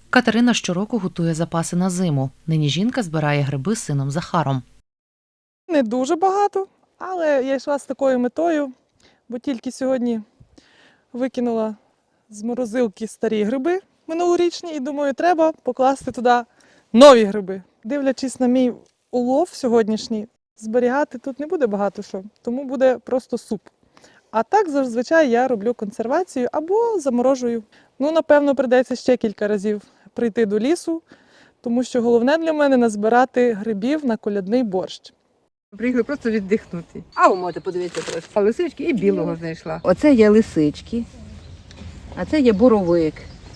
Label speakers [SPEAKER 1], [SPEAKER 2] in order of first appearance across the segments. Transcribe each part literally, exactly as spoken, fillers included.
[SPEAKER 1] Катерина щороку готує запаси на зиму. Нині жінка збирає гриби з сином Захаром.
[SPEAKER 2] Не дуже багато, але я йшла з такою метою, бо тільки сьогодні викинула з морозилки старі гриби минулорічні і думаю, треба покласти туди нові гриби. Дивлячись на мій улов сьогоднішній, зберігати тут не буде багато що, тому буде просто суп. А так зазвичай я роблю консервацію або заморожую. Ну, напевно, прийдеться ще кілька разів прийти до лісу, тому що головне для мене назбирати грибів на колядний борщ.
[SPEAKER 3] Приїхали просто віддихнути. А ви можете подивитися трошки. А лисички і білого знайшла. Оце є лисички, а це є боровик.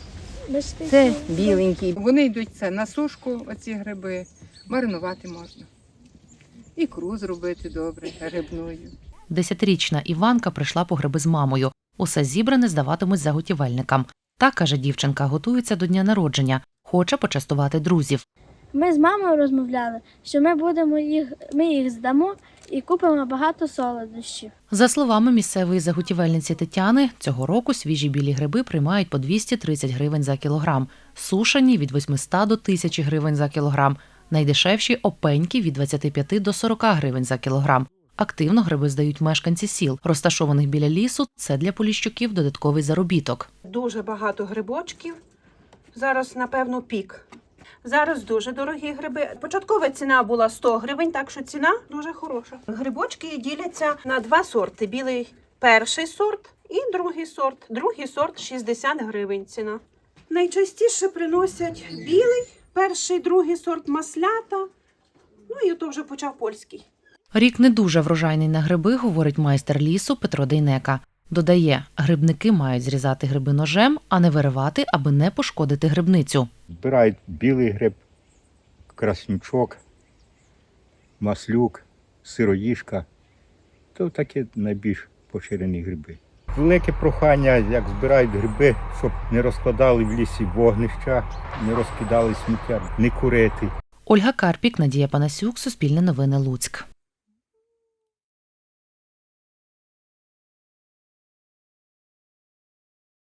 [SPEAKER 3] Це біленький. Вони йдуть це на сушку, оці гриби, маринувати можна. Ікру зробити добре, грибною.
[SPEAKER 1] Десятирічна Іванка прийшла по гриби з мамою. Усе зібране здаватимуть заготівельникам. Та, каже дівчинка, готується до дня народження. Хоче почастувати друзів.
[SPEAKER 4] Ми з мамою розмовляли, що ми будемо їх, ми їх здамо і купимо багато солодощів.
[SPEAKER 1] За словами місцевої заготівельниці Тетяни, цього року свіжі білі гриби приймають по двісті тридцять гривень за кілограм, сушені – від восьмисот до тисячі гривень за кілограм, найдешевші – опеньки – від двадцяти п'яти до сорока гривень за кілограм. Активно гриби здають мешканці сіл, розташованих біля лісу. Це для поліщуків додатковий заробіток.
[SPEAKER 5] Дуже багато грибочків. Зараз, напевно, пік. Зараз дуже дорогі гриби. Початкова ціна була сто гривень, так що ціна дуже хороша. Грибочки діляться на два сорти. Білий перший сорт і другий сорт. Другий сорт шістдесят гривень ціна. Найчастіше приносять білий, перший, другий сорт маслята. Ну і то вже почав польський.
[SPEAKER 1] Рік не дуже врожайний на гриби, говорить майстер лісу Петро Дейнека. Додає, грибники мають зрізати гриби ножем, а не виривати, аби не пошкодити грибницю.
[SPEAKER 6] Збирають білий гриб, краснючок, маслюк, сироїжка. То такі найбільш поширені гриби. Велике прохання, як збирають гриби, щоб не розкладали в лісі вогнища, не розкидали сміття, не курити.
[SPEAKER 1] Ольга Карпік, Надія Панасюк, Суспільне новини, Луцьк.